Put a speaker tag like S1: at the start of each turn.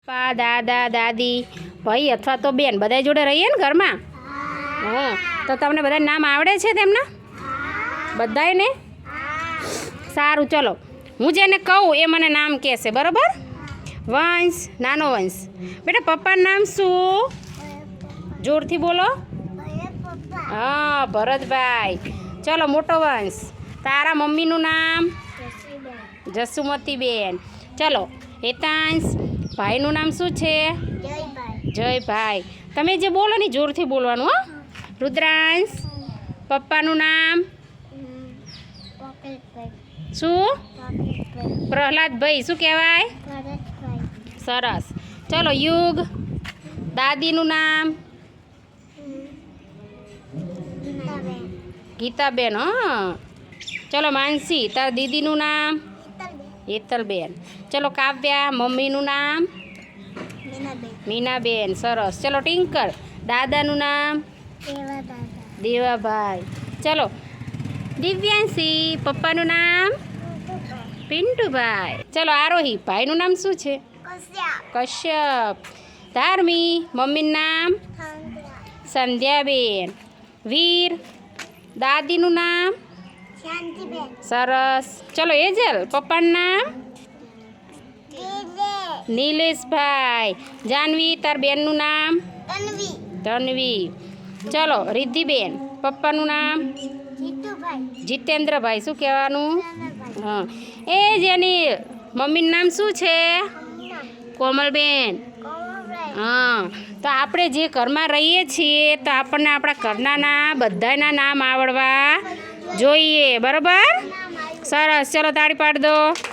S1: પપ્પા દાદા દાદી ભાઈ અથવા તો બેન બધા જોડે રહીએ ને ઘરમાં. હા, તો તમને બધા નામ આવડે છે તેમના બધાને? સારું, ચલો હું જેને કહું એ મને નામ કહેશે, બરાબર? વંશ, નાનો વંશ, બેટા પપ્પાનું નામ શું? જોરથી બોલો. હા, ભરતભાઈ. ચલો મોટો વંશ, તારા મમ્મીનું નામ? જસુમતીબેન. ચલો હેતાંશ, ભાઈનું નામ શું છે? જયભાઈ. તમે જે બોલો ને જોરથી બોલવાનું. હો. રુદ્રાંશ, પપ્પાનું નામ શું? પ્રહલાદભાઈ. શું કહેવાય? સરસ. ચલો યુગ, દાદીનું નામ? ગીતાબેન. હા. ચલો માનસી, તાર દીદીનું નામ? હેતલબેન. ચલો કાવ્યા, મમ્મીનું નામ? મીનાબેન. સરસ. ચલો ટિંકલ, દાદાનું નામ? દેવાભાઈ. ચલો દિવ્યાંશી, પપ્પાનું નામ? પિન્ટુભાઈ. ચલો આરોહી, ભાઈનું નામ શું છે? કશ્યપ. ધાર્મી, મમ્મીનું નામ? સંધ્યાબેન. વીર, દાદીનું નામ? સરસ. ચલો એજલ, પપ્પાનું નામ? નિલેશભાઈ. જાનવી, તાર બેનનું નામ? તન્વી. ચલો રિદ્ધિબેન, પપ્પાનું નામ? જીતેન્દ્રભાઈ. શું કહેવાનું? હા. એ જેની મમ્મીનું નામ શું છે? કોમલબેન. હા. તો આપણે જે ઘરમાં રહીએ છીએ તો આપણને આપણા ઘરના બધાના નામ આવડવા જોઈએ, બરાબર? સરસ. ચલો તાળી પાડી દો.